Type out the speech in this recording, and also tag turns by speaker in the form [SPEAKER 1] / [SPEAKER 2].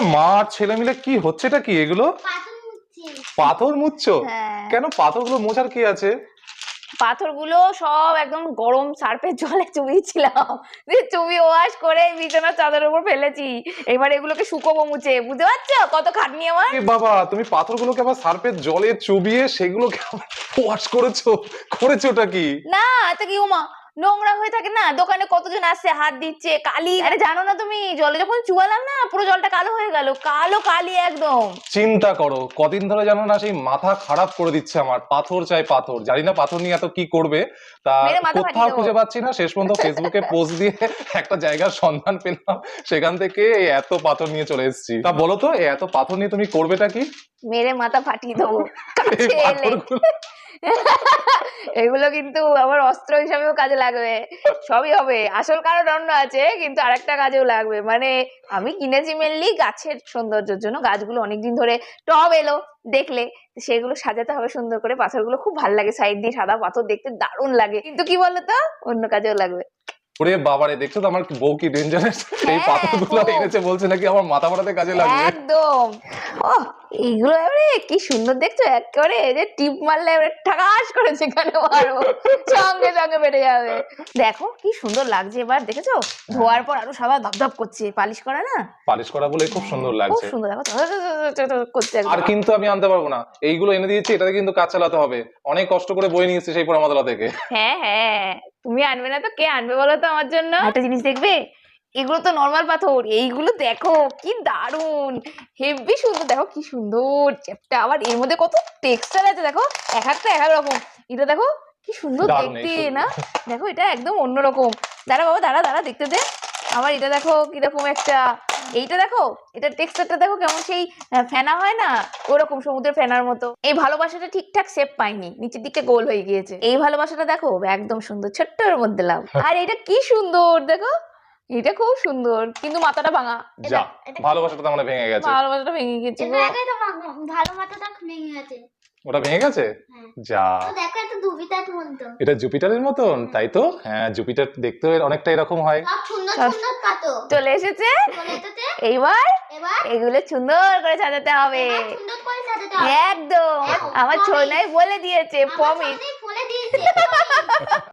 [SPEAKER 1] মা আর ছেলে মিলে কি হচ্ছেটা কি এগুলো? পাথর মুছছো? কেন পাথরগুলো মোছার কি আছে?
[SPEAKER 2] পাথরগুলো সব একদম গরম সার্ফের জলে চুবিয়েছিলাম, দিয়ে চুবিয়ে ওয়াশ করে বিছানার চাদরের উপর ফেলেছি। এবার এগুলোকে শুকোবো মুছে, বুঝতে পারছো কত খাটনি আমার।
[SPEAKER 1] এ বাবা, তুমি পাথরগুলোকে আবার সার্ফের জলে চুবিয়ে সেগুলোকে ওয়াশ করেছোটা কি?
[SPEAKER 2] না তো কি ওমা, নোংরা হয়ে থাকে না, দোকানে কতজন আসছে হাত দিচ্ছে, কালি। আরে জানো না তুমি, জলে যখন চুয়ালাম না পুরো জলটা কালো হয়ে গেল, কালো কালি একদম।
[SPEAKER 1] চিন্তা করো, কদিন ধরে জানো না সেই মাথা খারাপ করে দিচ্ছে আমার, পাথর চাই পাথর। জানি না পাথর নিয়ে এত কি করবে, তা
[SPEAKER 2] মেরে মাথা ফাটিয়ে
[SPEAKER 1] কোথাও
[SPEAKER 2] দেবো।
[SPEAKER 1] খুঁজে পাচ্ছি না। শেষ পর্যন্ত ফেসবুকে পোস্ট দিয়ে একটা জায়গার সন্ধান পেলাম, সেখান থেকে এই এত পাথর নিয়ে চলে এসেছি। তা বলো তো, এই এত পাথর নিয়ে তুমি করবেটা কি?
[SPEAKER 2] মেরে মাথা ফাটিয়ে দেবো
[SPEAKER 1] এই
[SPEAKER 2] কাছে এলে।
[SPEAKER 1] পাথরগুলো
[SPEAKER 2] এগুলো কিন্তু আমার অস্ত্র হিসাবেও কাজে লাগবে, সবই হবে। আসল কারণ অন্য আছে, কিন্তু আরেকটা কাজেও লাগবে। মানে আমি কিনেছি মেনলি গাছের সৌন্দর্যের জন্য। গাছগুলো অনেকদিন ধরে টব এলো দেখলে, সেগুলো সাজাতে হবে সুন্দর করে। পাথরগুলো খুব ভালো লাগে, সাইড দিয়ে সাদা পাথর দেখতে দারুণ লাগে। কিন্তু কি বলতো, অন্য কাজেও লাগবে।
[SPEAKER 1] ওরে বাবারে, দেখছো তো আমার বউ কি ডেঞ্জারাস! এই
[SPEAKER 2] হ্যাঁ,
[SPEAKER 1] পাথরগুলো
[SPEAKER 2] খুব।
[SPEAKER 1] এনেছে, বলছে নাকি আমার মাথা ফাটাতে কাজে লাগবে।
[SPEAKER 2] একদম। ও, এইগুলো এবারে কি সুন্দর দেখছো, একেবারে এই যে টিপ মারলে এবারে ঠাকাস করে যেখানে মারবো সঙ্গে সঙ্গে বেড়ে যাবে। দেখো কি সুন্দর লাগছে, এবার দেখেছো ধোয়ার পর আরো সাদা ধপধপ করছে, পালিশ করা না,
[SPEAKER 1] পালিশ করা বলে খুব সুন্দর
[SPEAKER 2] খুব
[SPEAKER 1] লাগছে।
[SPEAKER 2] সুন্দর। দেখো করছে
[SPEAKER 1] আর
[SPEAKER 2] একদম।
[SPEAKER 1] কিন্তু আমি আনতে পারবো না, এইগুলো এনে দিয়েছি, এটাতে কিন্তু কাজ চালাতে হবে। অনেক কষ্ট করে বই নিয়ে এসেছি সেই পোড়ামাতলা থেকে।
[SPEAKER 2] হ্যাঁ হ্যাঁ, তুমি আনবে না তো কে আনবে বলো তো আমার জন্য। একটা জিনিস দেখবে, এগুলো তো নর্মাল পাথর, এইগুলো দেখো কি দারুন, হেভি সুন্দর। দেখো কি সুন্দর চ্যাপটা, আবার এর মধ্যে কত টেক্সচার আছে দেখো, এক একটা এক এক রকম। এটা দেখো কি সুন্দর
[SPEAKER 1] দারুণ
[SPEAKER 2] দেখতে
[SPEAKER 1] এই
[SPEAKER 2] না, দেখো এটা একদম অন্যরকম। দাঁড়া বাবা, দাঁড়া দাঁড়া দেখতে দে। আবার এটা দেখো কিরকম একটা, এইটা দেখো, এটা টেক্সচারটা দেখো কেমন, সেই ফেনা হয় না ওরকম, সমুদ্রের ফেনার মতো। এই ভালোবাসাটা ঠিকঠাক শেপ পাইনি, নিচের দিকটা গোল হয়ে গিয়েছে। এই ভালোবাসাটা দেখো একদম সুন্দর, ছোট্টর মধ্যে লাভ। আর এটা কি সুন্দর দেখো, এটা খুব সুন্দর, কিন্তু মাথাটা ভাঙা।
[SPEAKER 1] যা, ভালোবাসাটা তো আমার ভেঙে গেছে।
[SPEAKER 2] ভালোবাসাটা ভেঙে গেছে গো।
[SPEAKER 3] ভালো মাথাটা ভেঙে গেছে।
[SPEAKER 1] ওটা ভেঙে গেছে?
[SPEAKER 3] হ্যাঁ।
[SPEAKER 1] যা,
[SPEAKER 3] তো দেখো এটা জুপিটার মতো।
[SPEAKER 1] এটা জুপিটারের মতন, তাই তো? হ্যাঁ, জুপিটার দেখতেও অনেকটা এরকম হয়।
[SPEAKER 3] সব সুন্দর সুন্দর পাথর
[SPEAKER 2] চলে এসেছে,
[SPEAKER 3] চলে এসেছে।
[SPEAKER 2] এইবার
[SPEAKER 3] এবার
[SPEAKER 2] এগুলো সুন্দর করে সাজাতে হবে।
[SPEAKER 3] এবার সুন্দর করে সাজাতে হবে।
[SPEAKER 2] একদম, আমার ছোনাই বলে দিয়েছে,
[SPEAKER 3] আমার
[SPEAKER 2] প্রমিস।
[SPEAKER 3] সামনেই বলে দিয়েছে।